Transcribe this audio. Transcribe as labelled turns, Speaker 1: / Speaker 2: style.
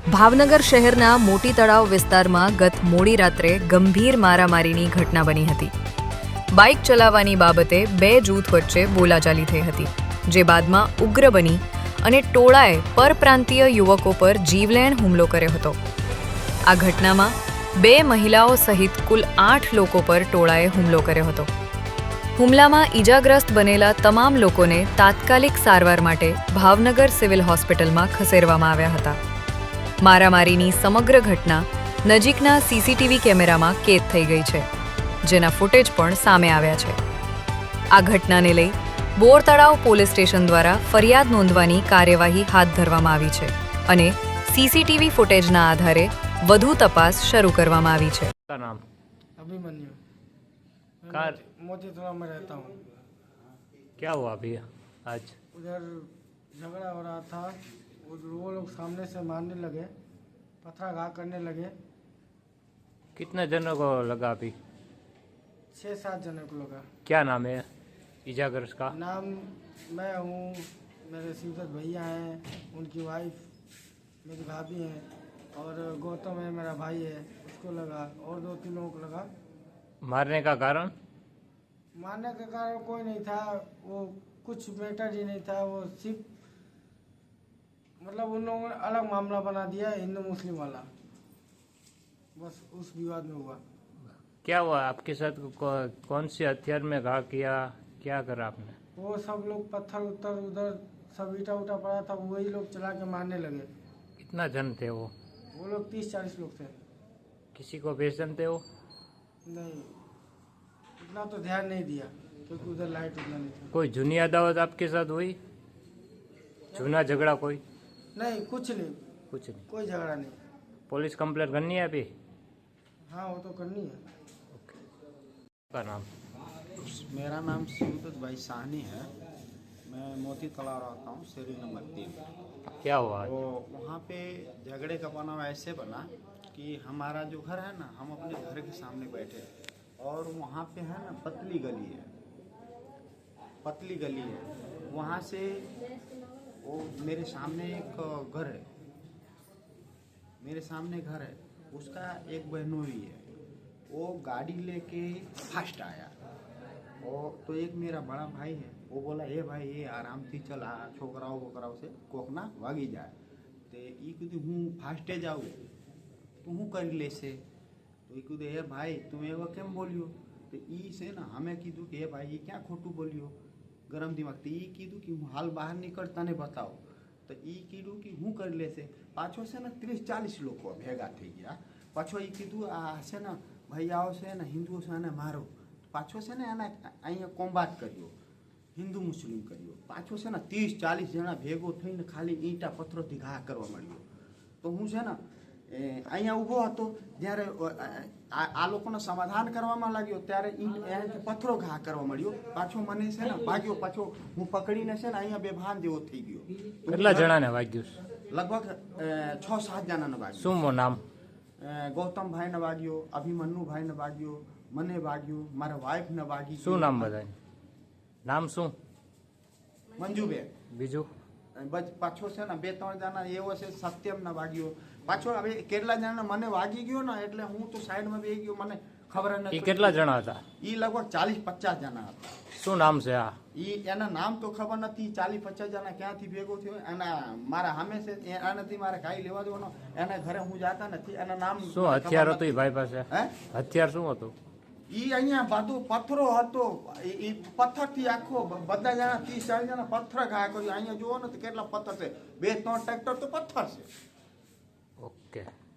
Speaker 1: ભાવનગર શહેરના મોટી તળાવ વિસ્તારમાં ગત મોડી રાત્રે ગંભીર મારામારીની ઘટના બની હતી. બાઇક ચલાવવાની બાબતે બે જૂથ વચ્ચે બોલાચાલી થઈ હતી, જે બાદમાં ઉગ્ર બની અને ટોળાએ પરપ્રાંતીય યુવકો પર જીવલેણ હુમલો કર્યો હતો. આ ઘટનામાં બે મહિલાઓ સહિત કુલ 8 લોકો પર ટોળાએ હુમલો કર્યો હતો. હુમલામાં ઈજાગ્રસ્ત બનેલા તમામ લોકોને તાત્કાલિક સારવાર માટે ભાવનગર સિવિલ હોસ્પિટલમાં ખસેડવામાં આવ્યા હતા. મારામારીની સમગ્ર ઘટના નજીકના સીસીટીવી કેમેરામાં કેદ થઈ ગઈ છે, જેના ફૂટેજ પણ સામે આવ્યા છે. આ ઘટનાને લઈ બોર તળાવ પોલીસ સ્ટેશન દ્વારા ફરિયાદ નોંધવાની કાર્યવાહી હાથ ધરવામાં આવી છે અને સીસીટીવી ફૂટેજના આધારે વધુ તપાસ શરૂ કરવામાં આવી છે.
Speaker 2: नाम
Speaker 3: अभिमन्यु
Speaker 2: कार
Speaker 3: मोती तलाव में रहता हूँ।
Speaker 2: क्या हुआ अभी आज?
Speaker 3: उधर झगड़ा हो रहा था, वो लोग सामने से मारने लगे, पथराघात करने लगे।
Speaker 2: कितने जनों को लगा अभी?
Speaker 3: 6-7 जने को लगा।
Speaker 2: क्या नाम है इजाग्रस्त का?
Speaker 3: नाम मैं हूँ, मेरे शिवदत्त भैया हैं, उनकी वाइफ मेरी भाभी हैं, और गौतम है मेरा भाई है, उसको लगा, और 2-3 लोगों को लगा।
Speaker 2: मारने का कारण?
Speaker 3: मारने का कारण कोई नहीं था, वो कुछ मैटर ही नहीं था, वो सिर्फ मतलब उन लोगों ने अलग मामला बना दिया, हिंदू मुस्लिम वाला, बस उस विवाद में हुआ।
Speaker 2: क्या हुआ आपके साथ? कौन से हथियार में घा किया, क्या करा आपने?
Speaker 3: वो सब लोग पत्थर उत्तर उधर सब ईटा उटा पड़ा था, वही लोग चला के मारने लगे।
Speaker 2: कितना जन थे वो?
Speaker 3: वो लोग 30-40 लोग थे।
Speaker 2: किसी को पहचानते हो?
Speaker 3: नहीं, इतना तो ध्यान नहीं दिया क्योंकि उधर लाइट उतना नहीं था।
Speaker 2: कोई जूनी अदावत आपके साथ हुई? जूना झगड़ा कोई?
Speaker 3: नहीं, कुछ नहीं,
Speaker 2: कुछ नहीं।
Speaker 3: कोई झगड़ा नहीं।
Speaker 2: पुलिस कंप्लेंट करनी है अभी?
Speaker 3: हाँ, वो तो करनी है।
Speaker 2: का नाम?
Speaker 4: मेरा नाम शिवदत्त भाई साहनी है। मैं मोती तालाब रहता हूँ, शेरी नंबर 3।
Speaker 2: क्या हुआ?
Speaker 4: तो वहाँ पे झगड़े का बनाव ऐसे बना कि हमारा जो घर है ना, हम अपने घर के सामने बैठे और वहाँ पे है ना पतली गली है, पतली गली है। वहाँ से वो मेरे सामने एक घर है, मेरे सामने घर है, उसका एक बहनोई है, वो गाड़ी लेके फास्ट आया। और तो एक मेरा बड़ा भाई है, वो बोला ए भाई ये आराम थी चल, आ छोकराओ बोकराओ से कोकना वागी जाए। तो ये कीधु हूँ फास्टे जाऊँ तो हूँ कर ले से, तो ये कीधु ए भाई तुम एवं केम बोलियो? तो ई से ना हमें कीधु कि ए भाई ये क्या खोटू बोलियो गरम दिमाग। तो ये कीधु कि हूँ हाल बाहर निकलता ने बताओ। तो ये कीधु कि हूँ कर ले से, पाछो से ना 30-40 लोग भेगा थी गया। पाछो ये कीधु आ से ना भैयाओ से ना हिंदुओ से ने मारो, पाछो से ने एना अँ कोम्बात करियो, हिंदू मुस्लिम करियो। पाछो से ना 30-40 जना भेगो थईने खाली ईंटा पत्थरोथी घा करवा मळ्यो। तो हूँ से ना अँ ऊभो हतो, ज्यारे आ लोकोने समाधान करवामां लाग्यो त्यारे पत्थरो घा करवा मळ्यो। पाछो मने से ने भाग्यो, पाछो हूँ पकड़ीने से ने अँ बेभान जेवो थई गयो।
Speaker 2: કેટલા જણાને વાગ્યું?
Speaker 4: लगभग 6-7 जणाने वाग्यो।
Speaker 2: શું નામ?
Speaker 4: गौतम भाई ने वाग्यो, अभिमन्यु भाई ने वाग्यो, मने वाग्यो, मारा वाइफ ने वागी।
Speaker 2: શું નામ બધાય? નામ શું?
Speaker 4: मंजूबेन।
Speaker 2: બીજું?
Speaker 4: पाछो से ना 2-3 जना एवो से सत्यम ने वाग्यो। पाछो हवे કેટલા જણાને મને વાગી ગયો ને એટલે હું તો સાઈડમાં બેહી ગયો, મને ખબર ન
Speaker 2: એ કેટલા જણા હતા?
Speaker 4: ઈ લગભગ 40-50 जना હતા।
Speaker 2: શું નામ છે આ?
Speaker 4: ઈ એના નામ તો ખબર નથી, 40-50 जना ક્યાંથી ભેગો થયો એના મારા સામે છે એનાથી મારે કાઈ લેવા દેવાનો, એના ઘરે હું જાતા નથી, એના નામ
Speaker 2: શું હથિયાર હતું એ ભાઈ પાસે?
Speaker 4: હે
Speaker 2: હથિયાર શું હતું?
Speaker 4: ઈ અહીંયા બધું પથ્થરો હતો, ઈ પથ્થરથી આખો બધા જણા 30-40 જણા પથ્થર ઘા કર્યો। અહીંયા જુઓ ને તો કેટલા પથ્થર છે, 2-3 ટ્રેક્ટર તો પથ્થર છે।
Speaker 2: ઓકે.